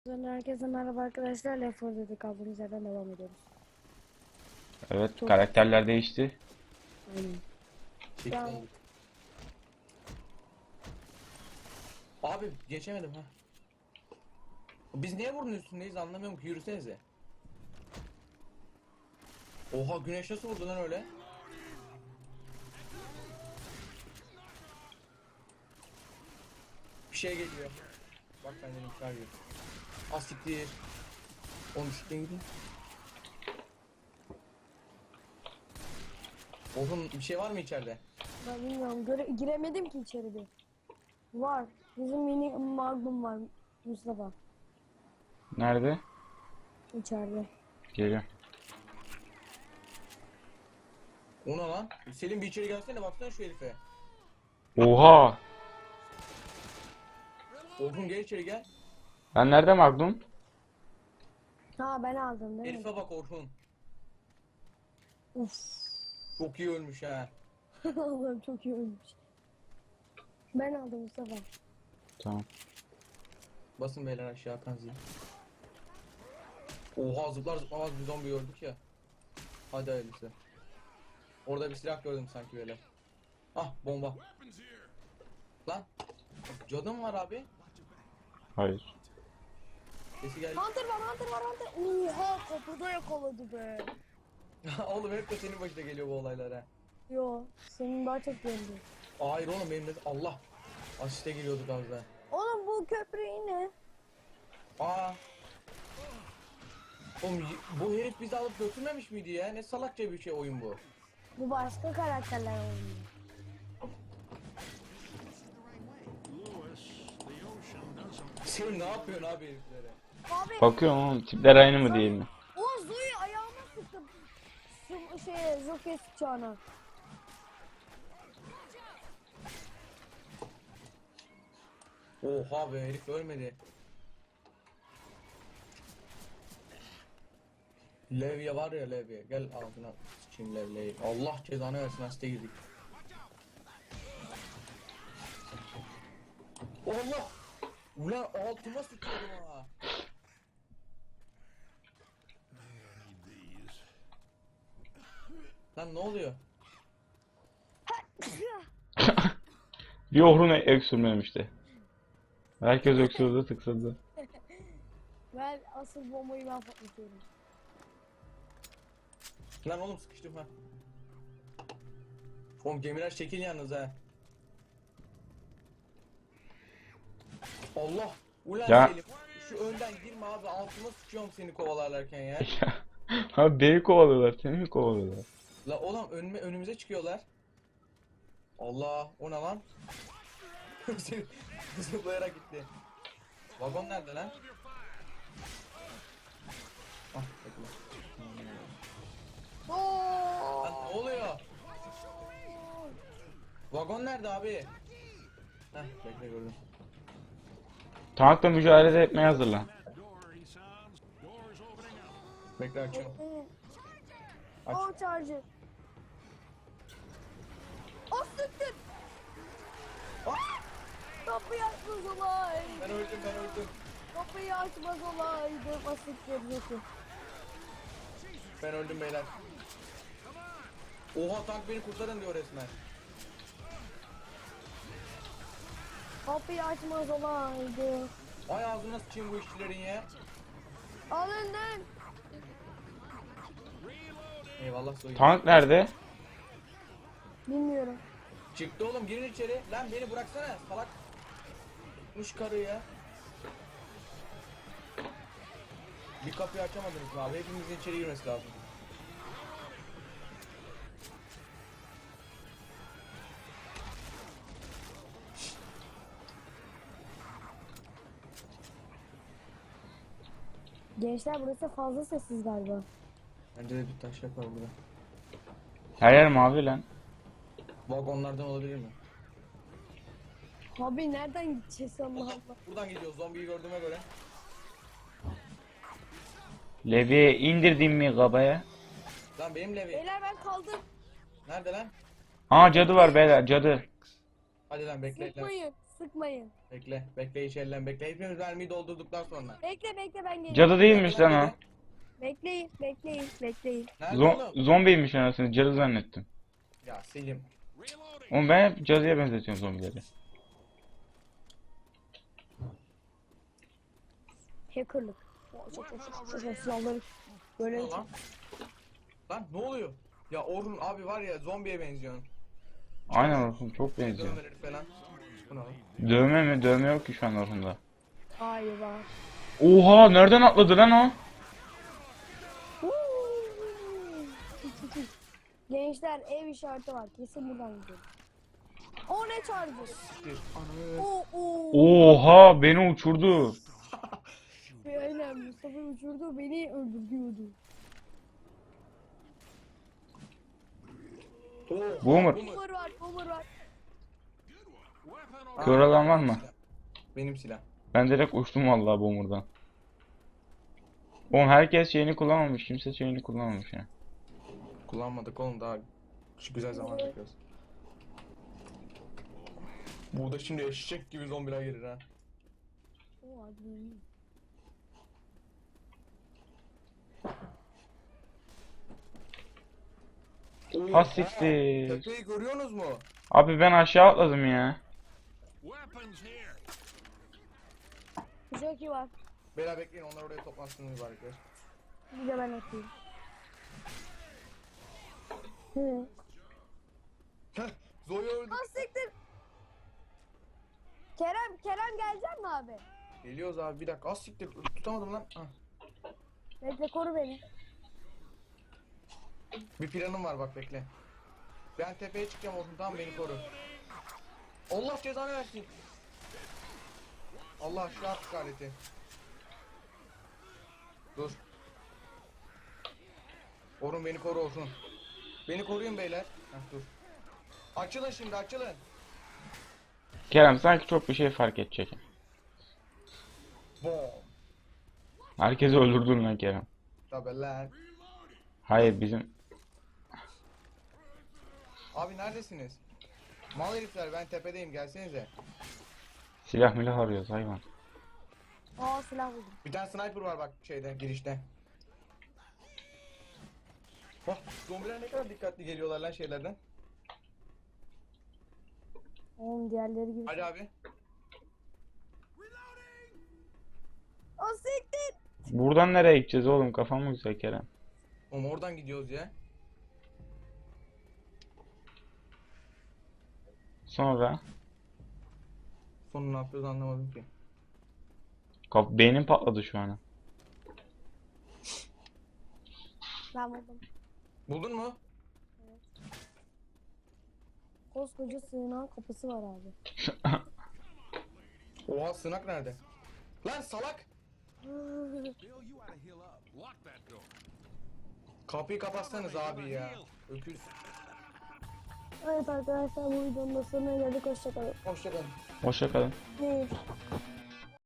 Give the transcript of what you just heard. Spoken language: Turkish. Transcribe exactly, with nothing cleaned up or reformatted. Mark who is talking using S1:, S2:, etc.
S1: Herkese merhaba arkadaşlar. Left four Dead'e kaldığımız yerden devam ediyoruz.
S2: Evet,
S1: Çok
S2: karakterler değişti.
S1: Aynen.
S3: Çektim. Abi geçemedim ha. Biz niye bunun üstündeyiz anlamıyorum ki, yürüsenize. Oha, güneş nasıl vurdu lan öyle? Bir şey geliyor. Bak benden inkar ediyor. Asiktir. Oğlum şuradan gidin. Oğlum bir şey var mı içeride?
S1: Ben bilmiyorum. Göre giremedim ki içeri bir. Var. Bizim mini magnum var Mustafa.
S2: Nerede?
S1: İçeride.
S2: Geliyor.
S3: O ne lan? Selim bir içeri gelsene, baksana şu herife.
S2: Oha!
S3: Orhun gel içeri gel.
S1: Hmm.
S2: Ben nerede Magnum?
S1: Ha ben aldım değil mi?
S3: Herife bak Orhun.
S1: Uf.
S3: Çok iyi ölmüş ha.
S1: Allah'ım çok iyi olmuş. Ben aldım Mustafa.
S2: Tamam.
S3: Basın beyler aşağı kanzi. Oha, zıplar zıplamaz bir zombi gördük ya. Hadi hayırlısı. Orada bir silah gördüm sanki böyle. Ah, bomba. Lan. Cadı mı var abi?
S2: Hayır.
S3: Sesi geldi.
S1: Hunter var Hunter var Hunter. Oha kapıda yakaladı be.
S3: Oğlum hep de senin başına geliyor bu olaylar ha.
S1: Yo senin daha çok geldi.
S3: Hayır oğlum, benim de Allah. Asiste geliyorduk az daha.
S1: Oğlum bu köprü yine.
S3: Aa. Oğlum y- bu herif bizi alıp götürmemiş miydi ya? Ne salakça bir şey oyun bu.
S1: Bu başka karakterler oynuyor.
S3: Sen ne yapıyorsun abi heriflere?
S1: Abi.
S2: Bakıyorum oğlum, tipler aynı mı değil mi?
S1: O Zoe ayağıma sıktı. Şu şeye Jockey sıçağına.
S3: Oha be, herif ölmedi. Levye var ya, Levye. Gel ağzına sıçayım Levye'yi. Allah cezanı versin, hasta girdik. Allah! Ulan altıma sıçıyordum ha. Lan ne oluyor?
S2: Bir ohrun öksürmemişti. Herkes öksürdü, tıksadı.
S1: Ben asıl bombayı ben patlatıyorum.
S3: Lan oğlum sıkıştım ha. Oğlum gemiler şekil yalnız ha. Allah! Ulan
S2: Ya.
S3: Selim, şu önden girme abi, altıma sıçıyorum seni kovalarlarken ya.
S2: Abi beni kovalıyorlar, seni mi kovalıyorlar?
S3: La oğlum önüme, önümüze çıkıyorlar. Allah, o ne lan? Selim zıplayarak gitti. Vagon nerede lan? Ah, bekle.
S1: Oo!
S3: Lan ne oluyor? Vagon nerede abi? Heh, bekle gördüm.
S2: Tankla mücadele etmeye hazırlan.
S3: Bekle açıyorum. Aç.
S1: O charger. O sıktın.
S3: Ah!
S1: Kapıyı açmaz olaydı.
S3: Ben öldüm, ben öldüm.
S1: Kapıyı açmaz olaydı. O sıktın Jockey.
S3: Ben öldüm beyler. Oha, tank beni kurtarın diyor resmen.
S1: Kapıyı açmaz olaydı.
S3: Ay ağzına sıçayım bu işçilerin ya.
S1: Alındın.
S3: Eyvallah soyun.
S2: Tank nerede?
S1: Bilmiyorum.
S3: Çıktı oğlum, girin içeri. Lan beni bıraksana salak. Muş karı ya. Bir kapıyı açamadınız mı abi? Hepimizin içeri girmesi lazım.
S1: Gençler burası fazla sessiz galiba.
S3: Bence de bir taş yapar burada.
S2: Her yer mavi lan.
S3: Vagonlardan olabilir mi?
S1: Abi nereden gideceğiz Allah Allah.
S3: Buradan gidiyoruz, zombiyi gördüğüme göre.
S2: Levi'ye indirdim mi kabaya?
S3: Lan benim Levi.
S1: Beyler ben kaldım.
S3: Nerede lan?
S2: Aa cadı var beyler, cadı.
S3: Hadi lan bekle lan.
S1: Sıkmayın. sıkmayın.
S3: Bekle. Bekle hiç ellen bekle. Hepimiz mermiyi doldurduktan sonra.
S1: Bekle bekle ben geliyorum.
S2: Cadı değilmiş lan o.
S1: Bekleyin bekleyin bekleyin.
S3: Nerede
S2: Zo
S3: oğlum?
S2: zombiymiş anasını. Cadı zannettim.
S3: Ya Selim.
S2: Oğlum ben hep cadıya benzetiyorum zombileri.
S1: Hackerlık. Çok çok çok çok çok silahları böyle
S3: Ne lan? Lan ne oluyor? Ya Orhun abi var ya zombiye benziyorsun.
S2: Aynen Orhun çok benziyor.
S3: Dövmeleri falan. Bu ne lan?
S2: Dövme mi? Dövme yok ki şu an Orhun'da.
S1: Hayır var.
S2: Oha nereden atladı lan o?
S1: Gençler ev işareti var. Kesin buradan gidelim. O ne çağırdı?
S3: Bir anı.
S1: O o.
S2: Oha beni uçurdu.
S1: Aynen Mustafa uçurdu beni öldürüyordu.
S3: Oo,
S2: Boomer.
S1: Boomer var, boomer var.
S3: Aa,
S2: Kör olan var mı?
S3: Benim silah.
S2: Ben direkt uçtum vallahi Boomer'dan. Oğlum herkes şeyini kullanmamış. Kimse şeyini kullanmamış ya.
S3: Kullanmadık oğlum daha şu güzel zaman bekliyoruz. Burada şimdi eşek gibi zombiler gelir ha.
S1: O adını.
S2: Ha siktir.
S3: Tepeyi görüyorsunuz mu?
S2: Abi ben aşağı atladım ya.
S1: Jockey var.
S3: Beyler bekleyin onlar oraya toplansın mübarekler.
S1: Bir de ben atayım. Hı.
S3: Heh, Zoe öldü.
S1: Ah siktir. Kerem, Kerem gelecek mi abi?
S3: Geliyoruz abi bir dakika. Az siktir tutamadım lan. Ah.
S1: Bekle koru beni.
S3: Bir planım var bak bekle. Ben tepeye çıkacağım olsun tamam beni koru. Allah cezanı versin. Allah şu artık aleti. Dur. Orun beni koru olsun. Beni koruyun beyler. Heh, dur. Açılın şimdi açılın.
S2: Kerem sanki çok bir şey fark edecek.
S3: Bom.
S2: Herkesi öldürdün lan Kerem.
S3: Tabi lan.
S2: Hayır bizim.
S3: Abi neredesiniz? Mal herifler ben tepedeyim gelsenize.
S2: Silah milah arıyoruz hayvan.
S1: Aa silah buldum.
S3: Bir tane sniper var bak şeyde girişte. Bak zombiler ne kadar dikkatli geliyorlar lan şeylerden.
S1: Oğlum diğerleri gibi.
S3: Hadi abi.
S1: O siktir.
S2: Buradan nereye gideceğiz oğlum? Kafam mı güzel Kerem?
S3: Oğlum oradan gidiyoruz ya.
S2: Sonra
S3: Sonu ne yapıyoruz anlamadım ki.
S2: kaf beynim patladı şu an.
S1: Ben buldum.
S3: Buldun mu?
S1: Koskoca sığınağın kapısı var abi.
S3: Oha sığınak nerede? Lan salak! Kapıyı kapatsanız abi ya. Öküz.
S1: Evet arkadaşlar bu videonun da sonuna geldik. Hoşçakalın.
S3: Hoşçakalın.
S2: Hoşça kalın.
S1: Ne?